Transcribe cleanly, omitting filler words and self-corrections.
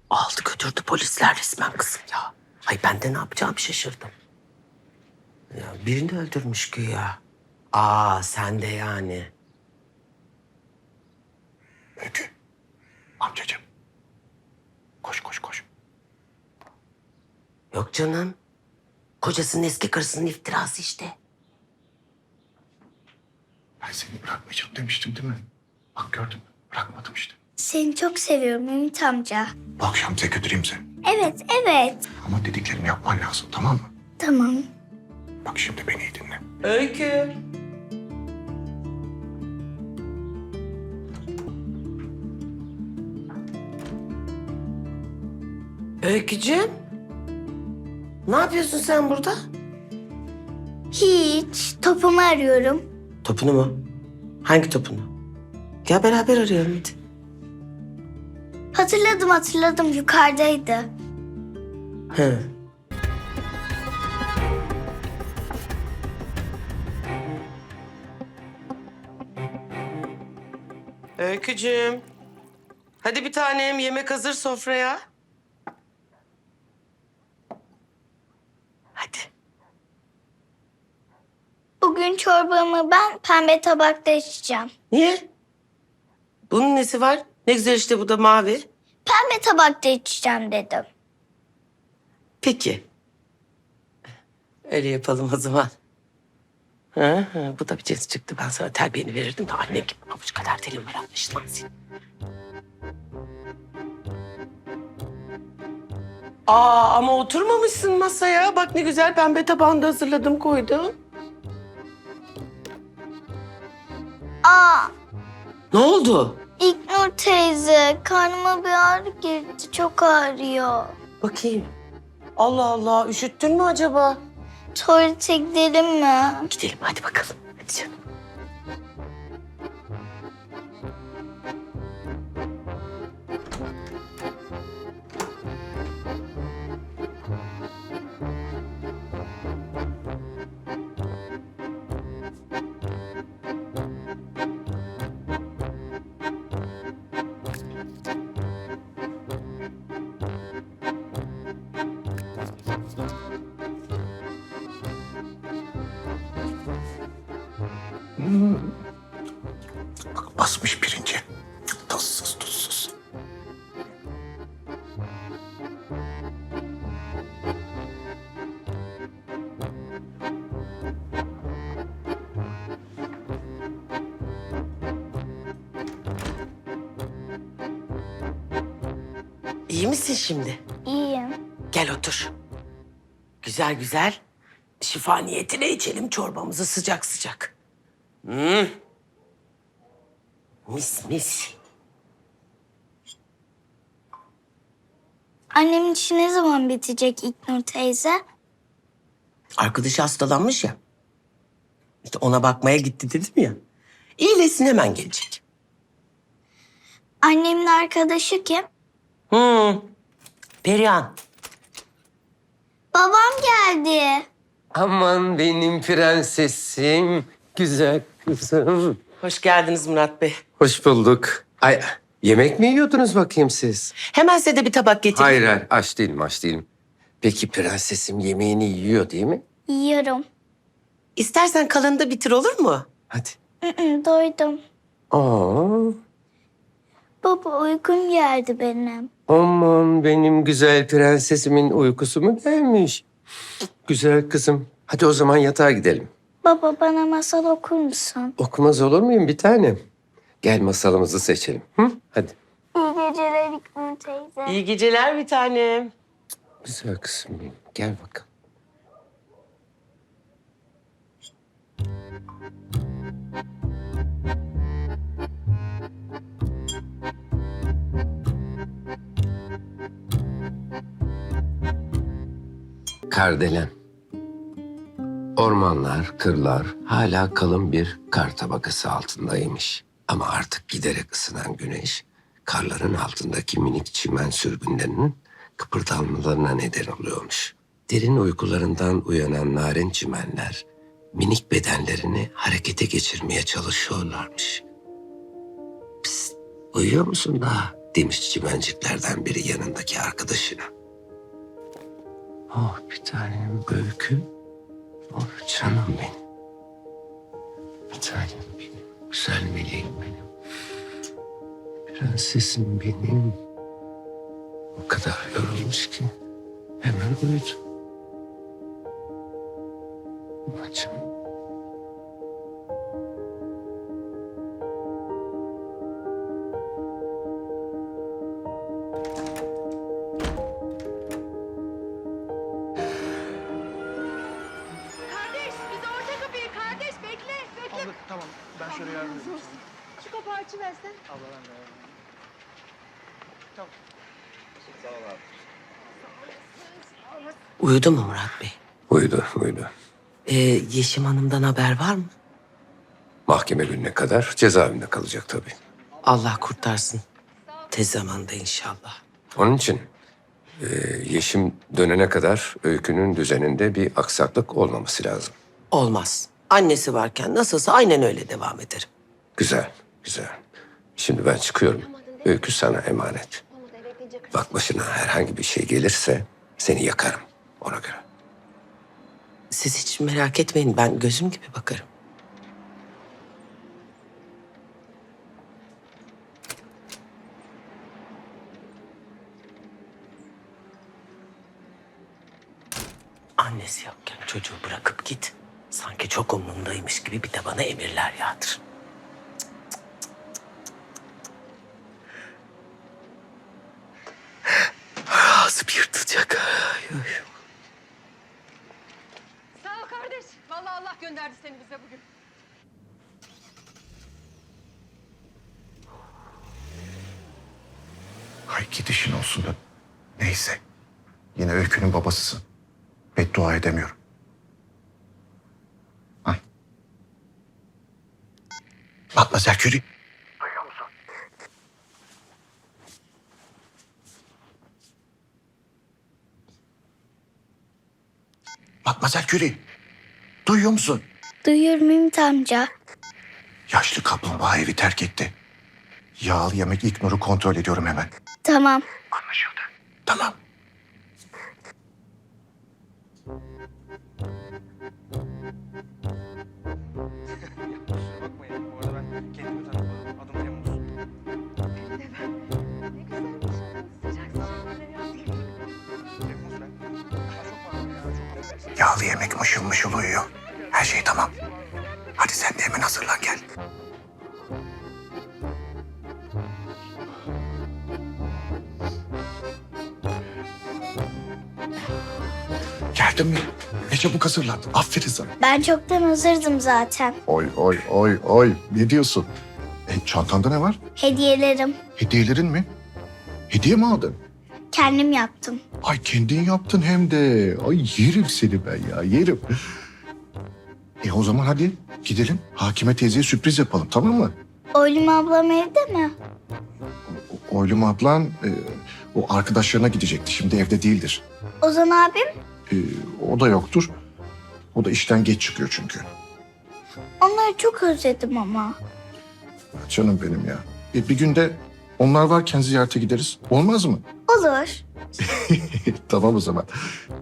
Aldı götürdü polisler resmen kızım ya. Ay ben de ne yapacağımı şaşırdım. Ya birini öldürmüş güya. Sen de yani. Öykü. Amcacığım. Koş koş koş. Yok canım. Kocasının eski karısının iftirası işte. Ben seni bırakmayacağım demiştim değil mi? Bak gördün mü? Bırakmadım işte. Seni çok seviyorum Ümit amca. Bu akşam size götüreyim seni. Evet, evet. Ama dediklerimi yapman lazım, tamam mı? Tamam. Bak şimdi beni iyi dinle. Öykü. Öykücüğüm. Ne yapıyorsun sen burada? Hiç. Topumu arıyorum. Topunu mu? Hangi topunu? Gel beraber arayalım hadi. Hatırladım. Yukarıdaydı. He. Öykücüğüm. Hadi bir tanem yemek hazır sofraya. Hadi. Bugün çorbamı ben pembe tabakta içeceğim. Niye? Bunun nesi var? Ne güzel işte bu da mavi. Pembe tabakta içeceğim dedim. Peki. Öyle yapalım o zaman. Bu da bir cins çıktı. Ben sana terbiyeni verirdim de anne gibi avuç kadar telim var anlaşılan senin. Ama oturmamışsın masaya. Bak ne güzel pembe tabağında hazırladım koydum. Ne oldu? İlknur teyze, karnıma bir ağrı girdi. Çok ağrıyor. Bakayım. Allah Allah üşüttün mü acaba? Tuvalete gidelim mi? Gidelim hadi bakalım. Hadi canım. Bak basmış birinci. Tatsız tuzsuz. İyi misin şimdi? İyiyim. Gel otur. Güzel güzel. Şifa niyetine içelim çorbamızı sıcak sıcak. Mis mis. Annemin işi ne zaman bitecek İlknur teyze? Arkadaşı hastalanmış ya. İşte ona bakmaya gitti dedim ya. İyileşsin hemen gelecek. Annemin arkadaşı kim? Perihan. Babam geldi. Aman benim prensesim, güzel kızım. Hoş geldiniz Murat Bey. Hoş bulduk. Ay, yemek mi yiyordunuz bakayım siz? Hemen size de bir tabak getireyim. Hayır, aç değilim, aç değilim. Peki prensesim yemeğini yiyor değil mi? Yiyorum. İstersen kalanını da bitir olur mu? Hadi. Doydum. Aa, Baba uykum geldi benim. aman benim güzel prensesimin uykusu mu gelmiş? Güzel kızım. Hadi o zaman yatağa gidelim. Baba bana masal okur musun? Okumaz olur muyum bir tanem? Gel masalımızı seçelim. Hı? Hadi. İyi geceler İlknur teyze. İyi geceler bir tanem. Güzel kızım benim. Gel bakalım. Kardelen. Ormanlar, kırlar hala kalın bir kar tabakası altındaymış. Ama artık giderek ısınan güneş, karların altındaki minik çimen sürgünlerinin kıpırdanmalarına neden oluyormuş. Derin uykularından uyanan narin çimenler, minik bedenlerini harekete geçirmeye çalışıyorlarmış. Psst, uyuyor musun daha? demiş çimenciklerden biri yanındaki arkadaşına. Oh bir tanem Öykü. Oh canım benim. Bir tanem benim. Güzel meleğim benim. Prensesim benim. O kadar yorulmuş ki hemen uyudu. Bacım. Kardeş, bize orta kapıyı kardeş bekle, bekle. Abla tamam ben şöyle yardım edeyim. Şu kapağı açıversen. Abla ben de yardım edeyim. Tamam. Uyudu mu Murat Bey? Uyudu, uyudu. Yeşim Hanım'dan haber var mı? Mahkeme gününe kadar cezaevinde kalacak tabii. Allah kurtarsın. Tez zamanda inşallah. Onun için Yeşim dönene kadar Öykü'nün düzeninde bir aksaklık olmaması lazım. Olmaz. Annesi varken nasılsa aynen öyle devam ederim. Güzel, güzel. Şimdi ben çıkıyorum. Öykü sana emanet. Bak başına herhangi bir şey gelirse seni yakarım ona göre. Siz hiç merak etmeyin, ben gözüm gibi bakarım. Annesi yokken çocuğu bırakıp git. Sanki çok umrundaymış gibi bir de bana emirler yağdır. Ağzım yırtılacak. Ay, ay. Sağ ol kardeş. Vallahi Allah gönderdi seni bize bugün. Hay gidişin olsun da. Neyse. Yine Öykü'nün babasısın. Beddua edemiyorum. Hah. Matmazel Curie. Duyuyor musun? Matmazel Curie. Duyuyor musun? Duyuyorum Ümit amca. Yaşlı kaplumbağa evi terk etti. Yağlı yemek İlknur'u kontrol ediyorum hemen. Tamam. Anlaşıldı. Tamam. Ne güzelmiş. Sıcak sıcak böyle yaptın. Yağlı yemek mışıl mışıl uyuyor. Her şey tamam. Hadi sen de hemen hazırlan gel. Geldin mi? Ne çabuk hazırlandın. Aferin sana. Ben çoktan hazırdım zaten. Oy oy oy oy. Ne diyorsun? Çantanda ne var? Hediyelerim. Hediyelerin mi? Hediye mi aldın? Kendim yaptım. Ay kendin yaptın hem de. Ay yerim seni ben ya yerim. O zaman hadi gidelim. Hakime teyzeye sürpriz yapalım tamam mı? Oylum ablam evde mi? Oylum ablan o arkadaşlarına gidecekti. Şimdi evde değildir. Ozan abim? O da yoktur. O da işten geç çıkıyor çünkü. Onları çok özledim ama. Canım benim ya. Bir günde onlar varken ziyarete gideriz. Olmaz mı? Olur. Tamam o zaman.